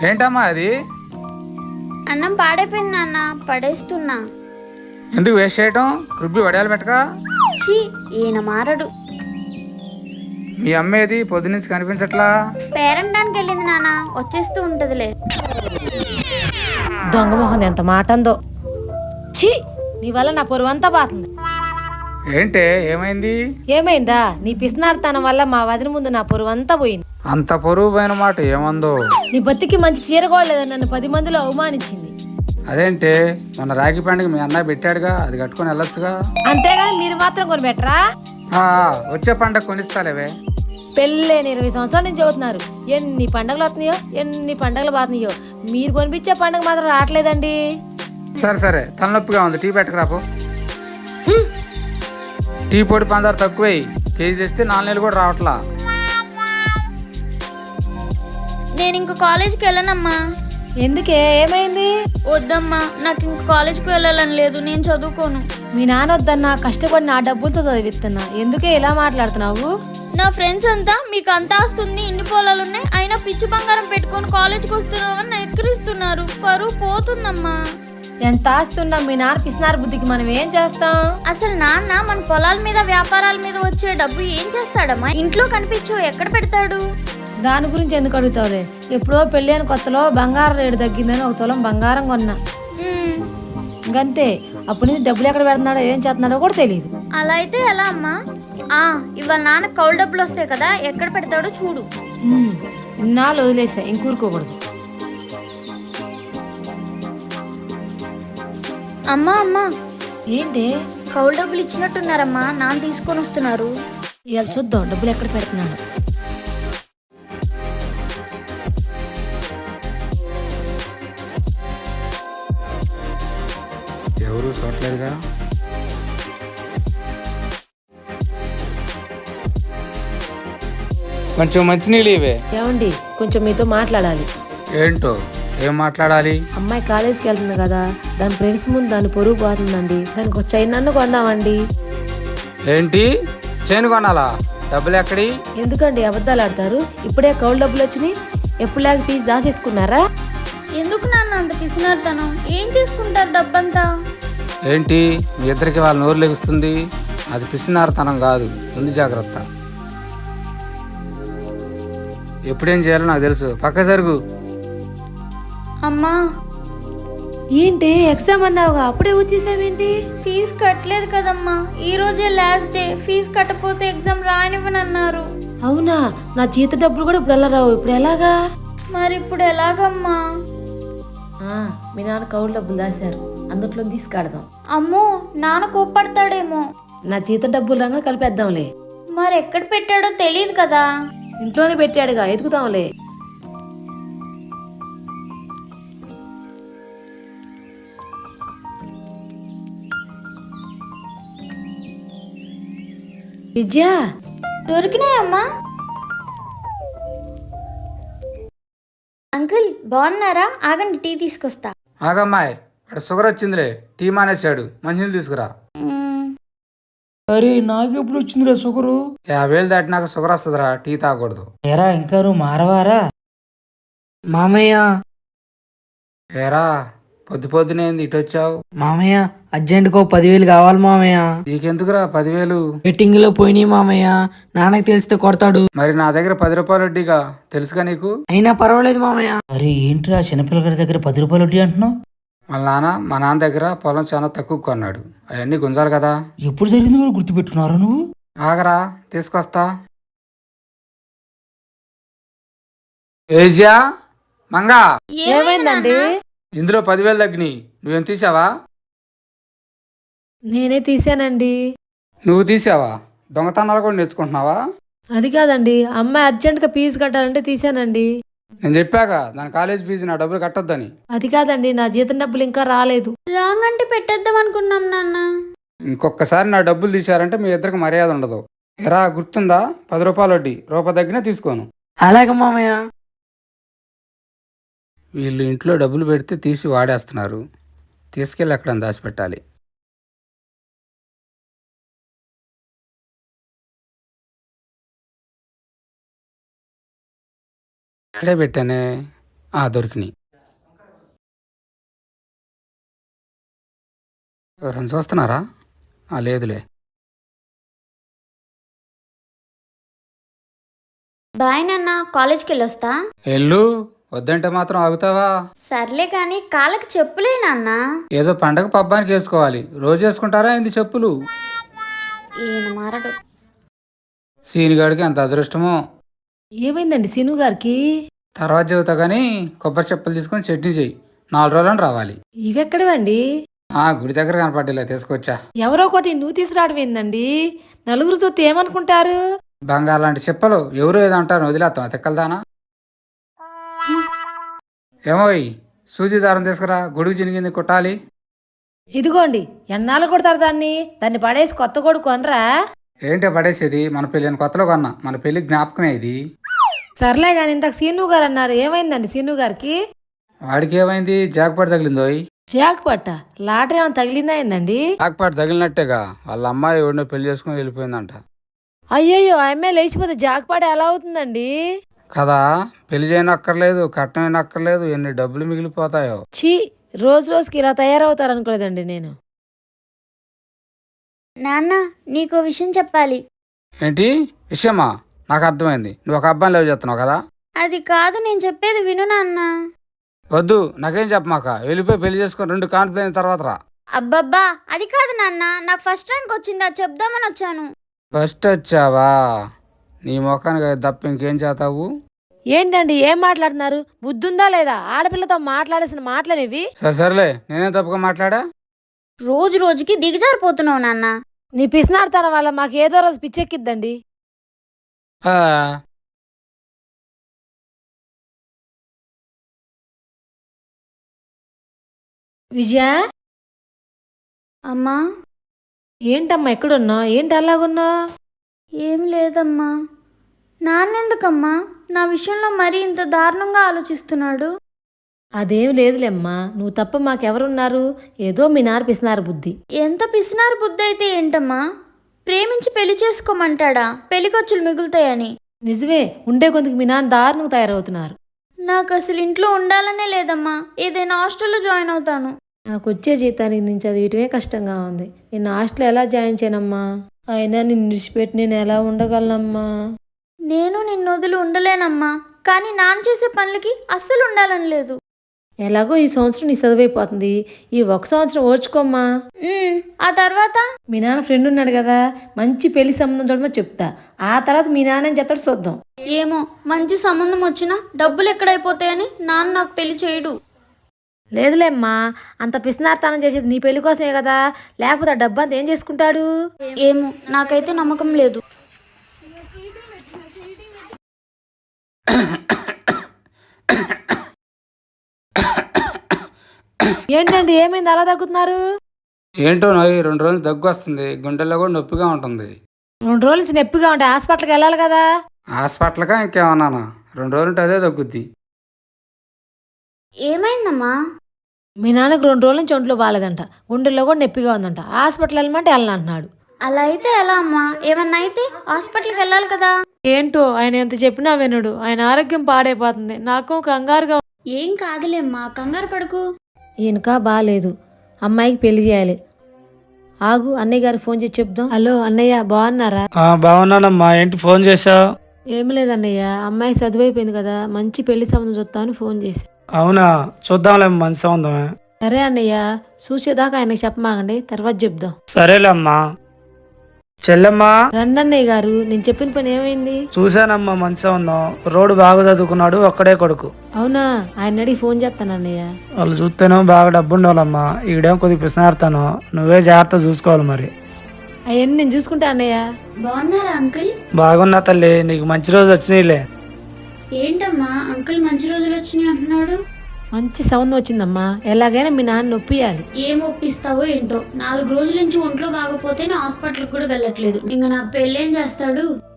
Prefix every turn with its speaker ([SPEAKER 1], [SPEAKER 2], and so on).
[SPEAKER 1] ఏంటమ్మా అది?
[SPEAKER 2] అన్నం పాడైపోయింది నాన్న, పడేస్తున్నా.
[SPEAKER 1] ఎందుకు వేస్ట్ చేయటం? రుబ్బి వడియాలు పెట్టక.
[SPEAKER 2] ఛీ, ఈయన మారడు.
[SPEAKER 1] మీ అమ్మేది పొద్దునుంచి కనిపించట్లా?
[SPEAKER 2] పేరంటానికి వెళ్ళింది నాన్న, వచ్చేస్తూ ఉంటదిలే.
[SPEAKER 3] దొంగ మొహం ఎంత మాట అందో. ఛీ, నీ వల్ల నా పొరువంతా బాతుంది.
[SPEAKER 1] ఏంటే ఏమైంది?
[SPEAKER 3] ఏమైందా? నీ పిసినారితనం వల్ల మా వదిన ముందు నా పొరువంతా పోయింది.
[SPEAKER 1] అంత పొరుగు పోయిన మాట ఏమందో?
[SPEAKER 3] నీ బతికి మంచి చీరగోడలేదని నన్ను 10 మందిలో అవమానించింది.
[SPEAKER 1] అదేంటే మొన్న రాఖీ పండుగ మీ అన్నయ్య పెట్టాడుగా, అది కట్టుకొని వెళ్ళొచ్చుగా.
[SPEAKER 3] అంతేగాని మీరు మాత్రం కొనిపెట్టరా?
[SPEAKER 1] వచ్చే పండుగ కొనిస్తాలేవే.
[SPEAKER 3] పెళ్ళైన 20 సంవత్సరాల నుంచి చదువుతున్నారు. ఎన్ని పండగలు వస్తున్నాయో, ఎన్ని పండగలు పోతున్నాయో, మీరు కొనిపించే పండుగ మాత్రం రావట్లేదండి.
[SPEAKER 1] సరే సరే, తలనొప్పిగా ఉంది, టీ పెట్టకరాపు. టీ పొడి పందారు తక్కువే, కేజీ తెస్తే 4 నెలలు కూడా రావట్లా.
[SPEAKER 2] నేను ఇంక కాలేజ్కి వెళ్ళనమ్మా.
[SPEAKER 3] ఎందుకే, ఏమైంది?
[SPEAKER 2] వద్దమ్మా, నాకు ఇంక కాలేజ్కి వెళ్ళాలని లేదు, నేను చదువుకోను.
[SPEAKER 3] మీ నాన్న వద్దన్నా, కష్టపడి నా డబ్బులతో చదివిస్తున్నా, ఎందుకే ఇలా మాట్లాడుతున్నావు?
[SPEAKER 2] నా ఫ్రెండ్స్ అంతా మీకు అంతా వస్తుంది, ఇన్ని పొలాలున్నాయి, అయినా పిచ్చి బంగారం పెట్టుకొని కాలేజ్కి వస్తున్నామని ఎక్కిరిస్తున్నారు. పరువు పోతుందమ్మా.
[SPEAKER 3] ఎంత ఆస్తున్నా మీ నాన్న పిసినారు బుద్ధికి మనం ఏం చేస్తాం?
[SPEAKER 2] అసలు నాన్న మన పొలాల మీద వ్యాపారాల మీద వచ్చే డబ్బు ఏం చేస్తాడమ్మా? ఇంట్లో కనిపించవు, ఎక్కడ పెడతాడు?
[SPEAKER 3] దాని గురించి ఎందుకు అడుగుతావులే. ఎప్పుడో పెళ్ళైన కొత్తలో బంగారం రేటు తగ్గిందని 1 తులం బంగారం కొన్నా. ఇంకంతే, అప్పటి నుంచి డబ్బులు ఎక్కడ పెడుతున్నాడో ఏం చేస్తున్నాడో కూడా తెలియదు.
[SPEAKER 2] అలా అయితే ఎలా అమ్మా? ఇవాళ నాన్న కౌలు డబ్బులు వస్తాయి కదా, ఎక్కడ పెడతాడో చూడు.
[SPEAKER 3] ఇన్నాళ్ళు వదిలేసా, ఇంకూరుకోకూడదు.
[SPEAKER 2] అమ్మా అమ్మా,
[SPEAKER 3] ఏంటి?
[SPEAKER 2] కౌలు డబ్బులు ఇచ్చినట్టున్నారమ్మా, నాన్న తీసుకొని వస్తున్నారు.
[SPEAKER 3] ఇవాళ చూద్దాం డబ్బులు ఎక్కడ పెడుతున్నాడు.
[SPEAKER 1] ఎవరు చూడలేదుగా. కొంచెం మంచినీళ్ళు ఇవే.
[SPEAKER 3] ఏమండి, కొంచెం మీతో మాట్లాడాలి.
[SPEAKER 1] ఏంటో? ఏం మాట్లాడాలి?
[SPEAKER 3] అమ్మాయి కాలేజీకి వెళ్తుంది కదా, దాని ఫ్రెండ్స్ ముందు దాన్ని పొరుగు పోతుందండి. దానికి ఒక చైన్ కొందామండి.
[SPEAKER 1] ఏంటి, చైన్ కొనాలా? డబ్బులు ఎక్కడి?
[SPEAKER 3] ఎందుకండి అబద్ధాలు ఆడతారు? ఇప్పుడే కౌలు డబ్బులు వచ్చినాయి, ఎప్పుడు లాగా తీసి దాచేసుకున్నారా?
[SPEAKER 2] ఎందుకు నాన్న అంత పిసినారుతనం? ఏం చేసుకుంటారు డబ్బంతా?
[SPEAKER 1] ఏంటి మీ ఇద్దరికి వాళ్ళ నోరు లెగుస్తుంది? అది పిసినారతనం కాదు, ముందు జాగ్రత్త. ఎప్పుడేం చేయాలో నాకు తెలుసు, పక్క జరుగు.
[SPEAKER 2] అమ్మా,
[SPEAKER 3] ఏంటి ఎగ్జామ్ అన్నావుగా, అప్పుడే వచ్చేసావేంటి?
[SPEAKER 2] ఫీజు కట్టలేదు కదమ్మా, ఈ రోజే లాస్ట్ డే. ఫీజు కట్టపోతే ఎగ్జామ్ రానివ్వనన్నారు.
[SPEAKER 3] అవునా? నా జీత డబ్బులు కూడా ఇప్పుడు ఎలా రావు, ఇప్పుడు ఎలాగా?
[SPEAKER 2] మరి ఇప్పుడు ఎలాగమ్మా?
[SPEAKER 3] మీ నాన్న కౌలు డబ్బులు దాశారు, అందుట్లో తీసుకాడదాం.
[SPEAKER 2] అమ్మో, నాన్న కోప్పడతాడేమో.
[SPEAKER 3] నా జీత డబ్బులు రంగా కలిపేద్దాంలే.
[SPEAKER 2] మరి ఎక్కడ పెట్టాడో తెలియదు కదా.
[SPEAKER 3] ఇంట్లోనే పెట్టాడుగా, ఎదుగుతాంలే. విద్య,
[SPEAKER 2] దొరికినాయమ్మా. అంకుల్ బాగున్నారా? ఆగండి, టీ తీసుకొస్తా.
[SPEAKER 1] ఆగమ్మాయి, అక్కడ షుగర్ వచ్చిందిలే, టీ మానేశాడు, మంచినీళ్ళు తీసుకురా.
[SPEAKER 4] అరే నాకెప్పుడు వచ్చిందిరా షుగరు?
[SPEAKER 1] 50,000 దాటినాక షుగర్ వస్తుందిరా, టీ తాగకూడదు.
[SPEAKER 4] ఏరా ఇంకా నువ్వు మారవారా? మామయ్య,
[SPEAKER 1] ఏరా పొద్దు పొద్దునేంది ఇటు వచ్చావు?
[SPEAKER 4] మామయ్య అర్జెంటుగా 10,000 కావాలి మామయ్య.
[SPEAKER 1] నీకెందుకురా 10,000?
[SPEAKER 4] బెట్టింగ్ లో పోయినాయి మామయ్య, నాన్నకి తెలిస్తే కొడతాడు.
[SPEAKER 1] మరి నా దగ్గర 10 రూపాయలు వడ్డీగా, తెలుసుగా నీకు?
[SPEAKER 4] అయినా పర్వాలేదు మామయ్య. అరే ఏంట్రా చిన్నపిల్లల దగ్గర 10 రూపాయలు వడ్డీ అంటున్నావు?
[SPEAKER 1] మా నాన్న దగ్గర పొలం చాలా తక్కువ కొన్నాడు, అవన్నీ గుంజాలి కదా.
[SPEAKER 4] ఎప్పుడు జరిగింది కూడా గుర్తుపెట్టుకున్నారా నువ్వు?
[SPEAKER 1] ఆగరా, తీసుకొస్తా. ఏజియా, మంగా,
[SPEAKER 3] ఏమైందండి?
[SPEAKER 1] ఇందులో 10,000 తగ్గినాయి, నువ్వేం తీసావా?
[SPEAKER 3] నేనే తీసానండి.
[SPEAKER 1] నువ్వు తీసావా? దొంగతనాలు కూడా నేర్చుకుంటున్నావా?
[SPEAKER 3] అది కాదండి, అమ్మాయి అర్జెంటుగా ఫీజు కట్టాలంటే తీసానండి.
[SPEAKER 1] నేను చెప్పాక దాని కాలేజ్ ఫీజు నా డబ్బులు కట్టొద్దని.
[SPEAKER 3] అది కాదండి, నా జీతం డబ్బులు ఇంకా రాలేదు.
[SPEAKER 2] రాంగ్ అంటే పెట్టేద్దాం అనుకున్నాం నాన్న.
[SPEAKER 1] ఇంకొకసారి నా డబ్బులు తీశారంటే మీ ఇద్దరికి మర్యాద ఉండదు. ఎరా గుర్తుందా? 10 రూపాయలు వడ్డీ, రూపాయి తగ్గినా తీసుకోను.
[SPEAKER 4] అలాగే మామయ్య.
[SPEAKER 1] వీళ్ళు ఇంట్లో డబ్బులు పెడితే తీసి వాడేస్తున్నారు, తీసుకెళ్ళి ఎక్కడ దాచిపెట్టాలి. ఇక్కడే పెట్టానే, దొరికినాయి. ఎవరైనా చూస్తున్నారా? లేదులే.
[SPEAKER 2] బాయ్ నాన్న, కాలేజ్కి వెళ్ళొస్తా.
[SPEAKER 1] ఎల్లు, వద్దంటే మాత్రం ఆగుతావా?
[SPEAKER 2] సర్లే కానీ కాళ్ళకి చెప్పులే నాన్న.
[SPEAKER 1] ఏదో పండగ పబ్బానికి వేసుకోవాలి, రోజు వేసుకుంటారా ఏంది చెప్పులు?
[SPEAKER 2] ఈయన మారడు.
[SPEAKER 1] సీనిగాడికి అంత అదృష్టమో.
[SPEAKER 3] ఏమైందండి సీను గారికి?
[SPEAKER 1] తర్వాత చెబుతా కానీ కొబ్బరి చెప్పులు తీసుకొని చట్నీ చెయ్యి, 4 రోజులని రావాలి.
[SPEAKER 3] ఇవెక్కడవండి?
[SPEAKER 1] గుడి దగ్గర కనపడేలా తీసుకొచ్చా.
[SPEAKER 3] ఎవరో ఒకటి నువ్వు తీసుకురావడం ఏందండి? నలుగురు చూస్తే ఏమనుకుంటారు?
[SPEAKER 1] బంగారు లాంటి చెప్పలు ఎవరు ఏదో అంటారు, వదిలేస్తాం తెక్కలదానా. ఏమోయ్, సూది దారం తీసుకురా, గొడుగు చినిగింది కుట్టాలి.
[SPEAKER 3] ఇదిగోండి, ఎన్నాళ్ళు కొడతారు దాన్ని? దాన్ని పడేసి కొత్త కొడుకు కొనరా?
[SPEAKER 1] ఏంటో పడేసేది, మన పెళ్ళిని కొత్తలో కొన్నా, మన పెళ్లి జ్ఞాపకమే ఇది.
[SPEAKER 3] సర్లే కానీ ఇంతకు సీను గారు అన్నారు, ఏమైందండి సీను గారికి?
[SPEAKER 1] వాడికి ఏమైంది, జాక్పాటు తగిలిందోయ్.
[SPEAKER 3] జాక్పట్ట లాటరీ ఏమైనా తగిలిందా ఏందండి?
[SPEAKER 1] జాక్పాటు తగిలినట్టేగా, వాళ్ళ అమ్మాయి ఎవరినో పెళ్లి చేసుకుని వెళ్ళిపోయిందంట.
[SPEAKER 3] అయ్యయ్యో, ఆ అమ్మాయి లేచిపోతే జాక్పాట ఎలా అవుతుందండి?
[SPEAKER 1] కదా, పెళ్లి చేయనక్కర్లేదు, కట్నం అక్కర్లేదు, ఎన్ని డబ్బులు మిగిలిపోతాయో.
[SPEAKER 3] ఛీ, రోజు రోజుకి ఇలా తయారవుతారు అనుకోలేదండి నేను.
[SPEAKER 2] నాన్న, నీకో విషయం చెప్పాలి.
[SPEAKER 1] ఏంటి విషయమా? నాకు అర్థమైంది, నువ్వు ఒక అబ్బాయిని లవ్ చేస్తున్నావు కదా.
[SPEAKER 2] అది కాదు, నేను చెప్పేది విను నాన్న.
[SPEAKER 1] వద్దు, నాకేం చెప్పమాక, వెళ్ళిపోయి పెళ్లి చేసుకొని 2 కాన్పులు అయిన తర్వాత రా.
[SPEAKER 2] అబ్బబ్బా, అది కాదు నాన్న, నాకు ఫస్ట్ ర్యాంక్ వచ్చింది, అది చెప్దామని వచ్చాను.
[SPEAKER 1] ఫస్ట్ వచ్చావా? నీ ముఖానికి తప్ప ఇంకేం చేస్తావు?
[SPEAKER 3] ఏంటండి ఏం మాట్లాడుతున్నారు? బుద్ధుందా లేదా? ఆడపిల్లతో మాట్లాడేసిన మాటలనేవి.
[SPEAKER 1] సరేలే, నేనేం తప్పుగా మాట్లాడా?
[SPEAKER 2] రోజు రోజుకి దిగజారిపోతున్నావు నాన్న.
[SPEAKER 3] నీ పిసినార్తనం వల్ల మాకు ఏదో రోజు పిచ్చెక్కిద్దండి.
[SPEAKER 1] ఆ,
[SPEAKER 3] విజయ,
[SPEAKER 2] అమ్మా.
[SPEAKER 3] ఏంటమ్మా ఎక్కడున్నావు? ఏంటి అలాగున్నావు?
[SPEAKER 2] ఏం లేదమ్మా. నాన్నెందుకమ్మా నా విషయంలో మరీ ఇంత దారుణంగా ఆలోచిస్తున్నాడు?
[SPEAKER 3] అదేం లేదులేమ్మా, నువ్వు తప్ప మాకెవరున్నారు? ఏదో మీ నాన్న పిసినారు బుద్ధి.
[SPEAKER 2] ఎంత పిసినారు బుద్ధి అయితే ఏంటమ్మా? ప్రేమించి పెళ్లి చేసుకోమంటాడా, పెళ్లి ఖర్చులు మిగులుతాయని?
[SPEAKER 3] నిజమే, ఉండే కొందుకు మీ నాన్న దారుణంగా తయారవుతున్నారు.
[SPEAKER 2] నాకు అసలు ఇంట్లో ఉండాలనే లేదమ్మా, ఏదైనా హాస్టల్లో జాయిన్ అవుతాను.
[SPEAKER 3] నాకు వచ్చే జీతానికి నేను చదివటమే కష్టంగా ఉంది. నేను హాస్టల్ ఎలా జాయిన్ చేయనమ్మా? అయినా నిన్ను విడిచిపెట్టి నేను ఎలా ఉండగలనమ్మా?
[SPEAKER 2] నేను నిన్ను వదిలి ఉండలేనమ్మా, కానీ నాన్న చేసే పనులకి అస్సలు ఉండాలని లేదు.
[SPEAKER 3] ఎలాగో ఈ సంవత్సరం నీ చదువైపోతుంది, ఈ 1 సంవత్సరం ఓర్చుకోమ్మా.
[SPEAKER 2] ఆ తర్వాత
[SPEAKER 3] మీ నాన్న ఫ్రెండ్ ఉన్నాడు కదా, మంచి పెళ్లి సంబంధం చూడమని చెప్తా. ఆ తర్వాత మీ నాన్న ఏం చెప్తాడు చూద్దాం.
[SPEAKER 2] ఏమో, మంచి సంబంధం వచ్చినా డబ్బులు ఎక్కడైపోతాయని నాన్న నాకు పెళ్లి చేయడు.
[SPEAKER 3] లేదులేమ్మా, అంత పిసినార్తనం చేసేది నీ పెళ్లి కోసమే కదా, లేకపోతే ఆ డబ్బంతా ఏం చేసుకుంటాడు?
[SPEAKER 2] ఏమో, నాకైతే నమ్మకం లేదు.
[SPEAKER 3] ఏంటండి ఏమైంది అలా తగ్గుతున్నారు?
[SPEAKER 1] ఏంటో నోయ్, 2 రోజులు దగ్గు వస్తుంది, గుండెల్లో కూడా నొప్పిగా ఉంటుంది.
[SPEAKER 3] 2 రోజుల నుంచి నొప్పిగా ఉంటే హాస్పిటల్కి వెళ్ళాలి కదా.
[SPEAKER 1] హాస్పిటల్గా ఇంకేమన్నానా, 2 రోజులు ఉంటే అదే తగ్గుద్ది.
[SPEAKER 2] ఏమైందమ్మా?
[SPEAKER 3] మీ నాన్నకు 2 రోజుల నుంచి ఒంట్లో బాగాలేదంట, గుండెల్లో కూడా నొప్పిగా ఉందంట. హాస్పిటల్ వెళ్ళమంటే వెళ్ళనంటున్నాడు.
[SPEAKER 2] అలా అయితే ఎలా అమ్మా? ఏమన్నా అయితే హాస్పిటల్కి వెళ్ళాలి కదా.
[SPEAKER 3] ఏంటో ఆయన ఎంత చెప్పినా వినడు. ఆయన ఆరోగ్యం పాడైపోతుంది, నాకు కంగారుగా.
[SPEAKER 2] ఏం కాదులేమ్మా, కంగారు పడుకు.
[SPEAKER 3] ఈయనకా బాగాలేదు, అమ్మాయికి పెళ్లి చేయాలి. ఆగు, అన్నయ్య గారికి ఫోన్ చేసి చెప్దాం. హలో అన్నయ్య, బాగున్నారా?
[SPEAKER 5] బాగున్నానమ్మా, ఏంటి ఫోన్ చేసావు?
[SPEAKER 3] ఏమి లేదన్నయ్య, అమ్మాయి చదువైపోయింది కదా, మంచి పెళ్లి సంబంధం చూస్తామని ఫోన్ చేసి.
[SPEAKER 5] అవునా, చూద్దాంలే, మంచి సంబంధమే.
[SPEAKER 3] సరే అన్నయ్య, చూసేదాకా ఆయనకి చెప్పమాకండి, తర్వాత చెప్దాం.
[SPEAKER 5] సరేలేమ్మా. చెల్లెమ్మా,
[SPEAKER 3] రండి అన్నయ్య గారు, నేను చెప్పిన పని ఏమైంది?
[SPEAKER 5] చూశానమ్మా, మంచి సంబంధం. రోడ్డు బాగా చదువుకున్నాడు, ఒక్కడే కొడుకు.
[SPEAKER 3] అవునా, ఆయన అడిగి ఫోన్ చేస్తాను అన్నయ్య.
[SPEAKER 5] వాళ్ళు చూస్తేనో బాగా డబ్బు ఉండాలమ్మా, ఈడేం కొద్దిగా పిసినారుతాను, నువ్వే జాగ్రత్త చూసుకోవాలి మరి.
[SPEAKER 3] అవన్నీ నేను చూసుకుంటా అన్నయ్య.
[SPEAKER 2] బాగున్నారా అంకుల్?
[SPEAKER 5] బాగున్నా తల్లి, నీకు మంచి రోజు వచ్చినాయిలే.
[SPEAKER 2] ఏంటమ్మా అంకుల్ మంచి రోజులు వచ్చినాయి అంటున్నాడు?
[SPEAKER 3] మంచి సంబంధం వచ్చిందమ్మా, ఎలాగైనా మీ నాన్న నొప్పియాలి.
[SPEAKER 2] ఏం ఒప్పిస్తావో ఏంటో, 4 రోజుల నుంచి ఒంట్లో బాగపోతే హాస్పిటల్కి కూడా వెళ్ళట్లేదు. ఇంకా నాకు పెళ్ళేం చేస్తాడు?